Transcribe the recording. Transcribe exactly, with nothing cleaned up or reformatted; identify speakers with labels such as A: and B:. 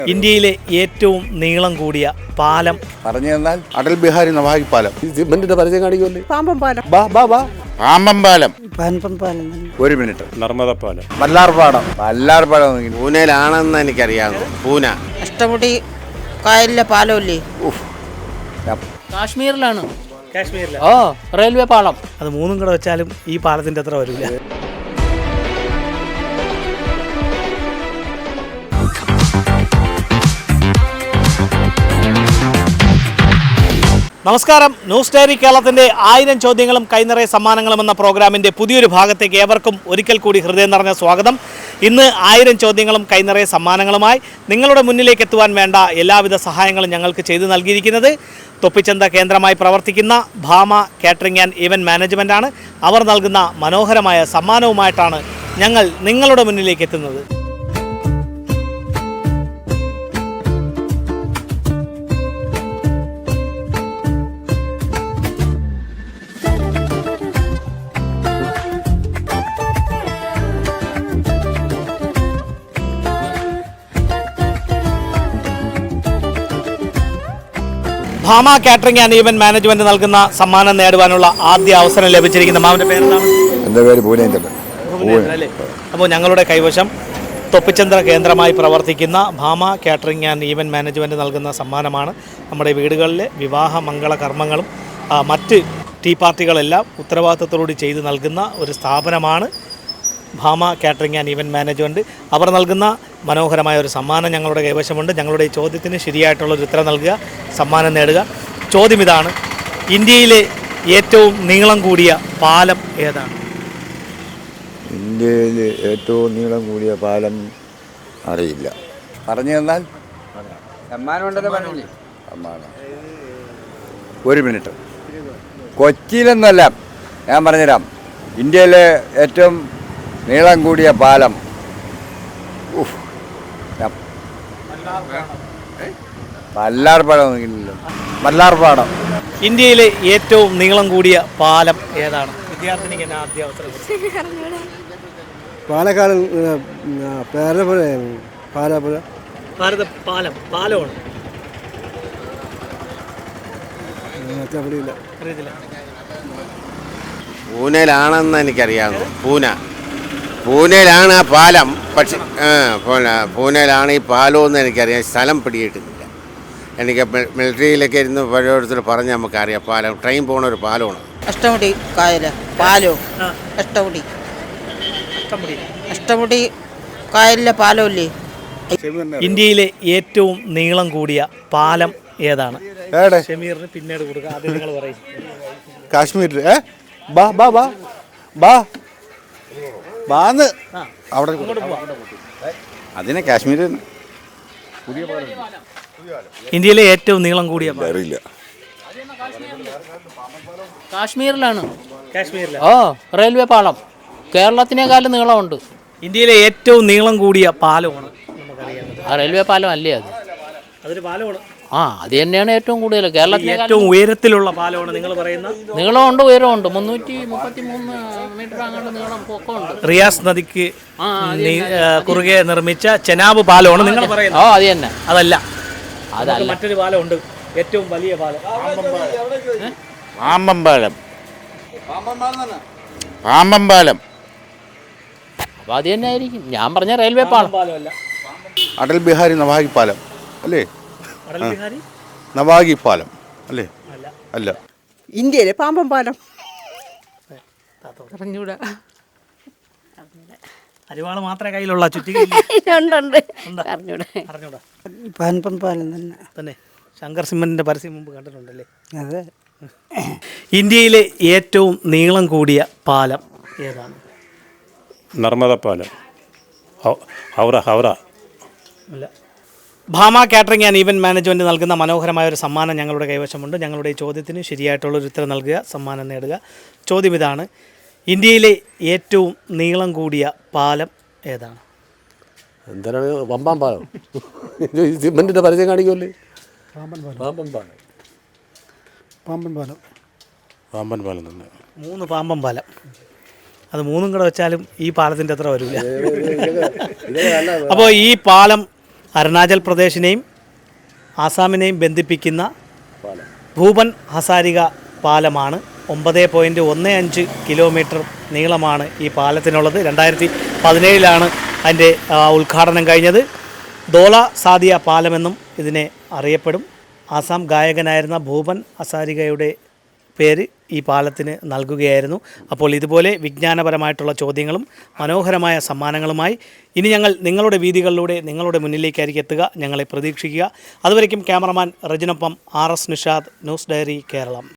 A: ഇന്ത്യയിലെ ഏറ്റവും നീളം കൂടിയ പാലം
B: പറഞ്ഞു തന്നാൽ അടൽ ബിഹാരി നവാഹി പാലം.
C: സിമന്റിന്റെ പരിചയം കാണിക്കുമല്ലേ?
D: പാമ്പം പാലം.
C: ബാ ബാ ബാ
B: പാമ്പം പാലം.
D: പാമ്പം പാലം.
B: ഒരു മിനിറ്റ്.
E: നർമ്മദ പാലം.
B: മല്ലാർ പാടം. മല്ലാർ പാടം
C: പൂനെയിലാണെന്ന് എനിക്കറിയാമോ? പൂന.
D: അഷ്ടമുടി കായലിലെ പാലമില്ലേ?
F: കാശ്മീരിലാണ്.
A: കാശ്മീരിലെ
F: ഓ റെയിൽവേ പാളം.
A: അത് മൂന്നും കൂടെ വെച്ചാലും ഈ പാലത്തിന്റെ അത്ര വരില്ല. നമസ്കാരം. ന്യൂസ് ഡയറി കേരളത്തിൻ്റെ ആയിരം ചോദ്യങ്ങളും കൈനിറയ സമ്മാനങ്ങളും എന്ന പ്രോഗ്രാമിൻ്റെ പുതിയൊരു ഭാഗത്തേക്ക് ഏവർക്കും ഒരിക്കൽ കൂടി ഹൃദയം നിറഞ്ഞ സ്വാഗതം. ഇന്ന് ആയിരം ചോദ്യങ്ങളും കൈനിറയ സമ്മാനങ്ങളുമായി നിങ്ങളുടെ മുന്നിലേക്ക് എത്തുവാൻ വേണ്ട എല്ലാവിധ സഹായങ്ങളും ഞങ്ങൾക്ക് ചെയ്തു നൽകിയിരിക്കുന്നത് തൊപ്പിച്ചന്ത കേന്ദ്രമായി പ്രവർത്തിക്കുന്ന ഭാമ കാറ്ററിംഗ് ആൻഡ് ഈവൻറ്റ് മാനേജ്മെൻറ്റാണ്. അവർ നൽകുന്ന മനോഹരമായ സമ്മാനവുമായിട്ടാണ് ഞങ്ങൾ നിങ്ങളുടെ മുന്നിലേക്ക് എത്തുന്നത്. Bhama catering and event management നൽകുന്ന സമ്മാനം നേടുവാനുള്ള ആദ്യ അവസരം ലഭിച്ചിരിക്കുന്ന മാമിന്റെ പേരെന്താണ്?
B: എൻ്റെ പേര് പൂനേന്ദ്രൻ.
A: അല്ലേ? അപ്പോൾ ഞങ്ങളുടെ കൈവശം തൊപ്പിച്ചന്ത്ര കേന്ദ്രമായി പ്രവർത്തിക്കുന്ന Bhama catering and event management നൽകുന്ന സമ്മാനമാണ്. നമ്മുടെ വീടുകളിലെ വിവാഹ മംഗള കർമ്മങ്ങളും മറ്റ് ടീ പാർട്ടികളെല്ലാം ഉത്തരവാദിത്തത്തോടുകൂടി ചെയ്ത് നൽകുന്ന ഒരു സ്ഥാപനമാണ് Bhama catering and event management. അവർ നൽകുന്ന മനോഹരമായ ഒരു സമ്മാനം ഞങ്ങളുടെ കൈവശമുണ്ട്. ഞങ്ങളുടെ ഈ ചോദ്യത്തിന് ശരിയായിട്ടുള്ളൊരു ഉത്തരം നൽകുക, സമ്മാനം നേടുക. ചോദ്യം ഇതാണ്: ഇന്ത്യയിലെ ഏറ്റവും നീളം കൂടിയ പാലം ഏതാണ്?
B: ഇന്ത്യയിൽ ഏറ്റവും നീളം കൂടിയ പാലം അറിയില്ല. പറഞ്ഞു തന്നാൽ സമ്മാനം. ഒരു മിനിറ്റ്. കൊച്ചിയിലെന്നല്ല, ഞാൻ പറഞ്ഞുതരാം. ഇന്ത്യയിലെ ഏറ്റവും നീളം കൂടിയ പാലം മല്ലാർപാടം. മല്ലാർപാടം.
A: ഇന്ത്യയിലെ ഏറ്റവും നീളം കൂടിയ പാലം ഏതാണ്? വിദ്യാർത്ഥിനിക്ക് എന്നെ ആദ്യ അവസരം.
C: പാലക്കാട് പേരപ്പുഴ പാലപ്പുഴ
A: ഭാരത പാലം പാലമാണ്. അറിയത്തില്ല.
C: പൂനെയിലാണെന്ന് എനിക്കറിയാമോ? പൂന. പൂനെയിലാണ് ആ പാലം. പക്ഷെ പൂനെയിലാണ് ഈ പാലമെന്ന് എനിക്കറിയാം. സ്ഥലം പിടിയിട്ടില്ല. എനിക്ക് മിലിറ്ററിയിലൊക്കെ ഇരുന്ന് പഴയത്തിൽ പറഞ്ഞ് നമുക്കറിയാം. പാലം ട്രെയിൻ പോകുന്ന ഒരു പാലമാണ്.
D: അഷ്ടമുടി കായല പാലോ? അഷ്ടമുടി അഷ്ടമുടി കായലിലെ പാലമില്ലേ?
A: ഇന്ത്യയിലെ ഏറ്റവും നീളം കൂടിയ പാലം ഏതാണ്? ഷമീറിന് പിന്നീട് കൊടുക്കുക. ആദ്യം നിങ്ങൾ പറയും.
C: കാശ്മീരിൽ ബാ ബാ ബാ ബാ ബാന്ന് അവിടെ അതിനെ കാശ്മീർ.
A: ഇന്ത്യയിലെ ഏറ്റവും നീളം കൂടിയ
B: അറിയില്ല.
F: കാശ്മീരിലാണ്.
A: കാശ്മീരിലെ
F: ഓ റെയിൽവേ പാളം. കേരളത്തിനേക്കാളും നീളമുണ്ട്.
A: ഇന്ത്യയിലെ ഏറ്റവും നീളം കൂടിയ പാലമാണ് നമുക്കറിയാം.
F: ആ റെയിൽവേ പാലം അല്ലേ അത്?
A: അതൊരു പാലമാണ്.
F: ആ അത് തന്നെയാണ് ഏറ്റവും കൂടുതൽ. കേരളത്തിലെ
A: ഏറ്റവും ഉയരത്തിലുള്ള പാലമാണ് നിങ്ങൾ പറയുന്ന.
F: നീളമുണ്ട്, ഉയരമുണ്ട്. മുന്നൂറ്റി മുപ്പത്തി മൂന്ന് മീറ്റർ അങ്ങോട്ട് നീളം പൊക്കമുണ്ട്.
A: റിയാസ് നദിക്ക് കുറുകെ നിർമ്മിച്ച ചെനാബ് പാലമാണ് നിങ്ങൾ പറയുന്നത്.
F: ഓ അത് തന്നെ.
A: അതല്ല,
F: അതല്ല,
A: മറ്റൊരു പാലമുണ്ട്, ഏറ്റവും വലിയ പാലം.
C: പാമ്പം പാലം. പാമ്പം പാലം.
F: അപ്പോൾ അത് തന്നെ ആയിരിക്കും. ഞാൻ പറഞ്ഞ റെയിൽവേ പാലം.
A: പാലമല്ല.
C: അടൽ ബിഹാരി നവാഹി പാലം അല്ലേ?
A: അടൽ ബിഹാരി
C: നവാഹി പാലം അല്ലേ? അല്ല.
D: ഇന്ത്യയിലെ പാമ്പം പാലം.
F: പറഞ്ഞൂടാ.
A: അരിവാള് മാത്രമേ കയ്യിലുള്ള ചുറ്റി
D: പാമ്പം പാലം തന്നെ
A: തന്നെ. ശങ്കർ സിമന്റിന്റെ പരസ്യം മുമ്പ് കണ്ടിട്ടുണ്ടല്ലേ?
D: അതെ.
A: ഇന്ത്യയിലെ ഏറ്റവും നീളം കൂടിയ പാലം ഏതാണ്?
E: നർമ്മദ പാലം. ഹൗറ ഹൗറ
A: അല്ല. Bhama catering and event management നൽകുന്ന മനോഹരമായ ഒരു സമ്മാനം ഞങ്ങളുടെ കൈവശമുണ്ട്. ഞങ്ങളുടെ ഈ ചോദ്യത്തിന് ശരിയായിട്ടുള്ളൊരു ഉത്തരം നൽകുക, സമ്മാനം നേടുക. ചോദ്യം ഇതാണ്: ഇന്ത്യയിലെ ഏറ്റവും നീളം കൂടിയ പാലം ഏതാണ്?
C: എന്താണ്? പമ്പാൻ പാലം. സിമന്റിന്റെ പരിചയം കാണിക്കുമല്ലേ? പാമ്പൻ പാലം.
E: പാമ്പൻ പാലം. പാമ്പൻ പാലം തന്നെ.
A: മൂന്ന് പാമ്പൻ പാലം. അത് മൂന്നും കൂടെ വെച്ചാലും ഈ പാലത്തിൻ്റെ അത്ര വരില്ല. അപ്പോൾ ഈ പാലം അരുണാചൽ പ്രദേശിനെയും ആസാമിനെയും ബന്ധിപ്പിക്കുന്ന ഭൂപൻ ഹസാരിക പാലമാണ്. ഒമ്പത് പോയിൻറ്റ് ഒന്ന് അഞ്ച് കിലോമീറ്റർ നീളമാണ് ഈ പാലത്തിനുള്ളത്. രണ്ടായിരത്തി പതിനേഴിലാണ് അതിൻ്റെ ഉദ്ഘാടനം കഴിഞ്ഞത്. ധോല സാദിയ പാലമെന്നും ഇതിനെ അറിയപ്പെടും. ആസാം ഗായകനായിരുന്ന ഭൂപൻ ഹസാരികയുടെ പേര് ഈ പാലത്തിന് നൽകുകയായിരുന്നു. അപ്പോൾ ഇതുപോലെ വിജ്ഞാനപരമായിട്ടുള്ള ചോദ്യങ്ങളും മനോഹരമായ സമ്മാനങ്ങളുമായി ഇനി ഞങ്ങൾ നിങ്ങളുടെ വീതികളിലൂടെ നിങ്ങളുടെ മുന്നിലേക്കായിരിക്കും എത്തുക. ഞങ്ങളെ പ്രതീക്ഷിക്കുക. അതുവരയ്ക്കും ക്യാമറമാൻ റജിനൊപ്പം R S Nishad, news diary Keralam.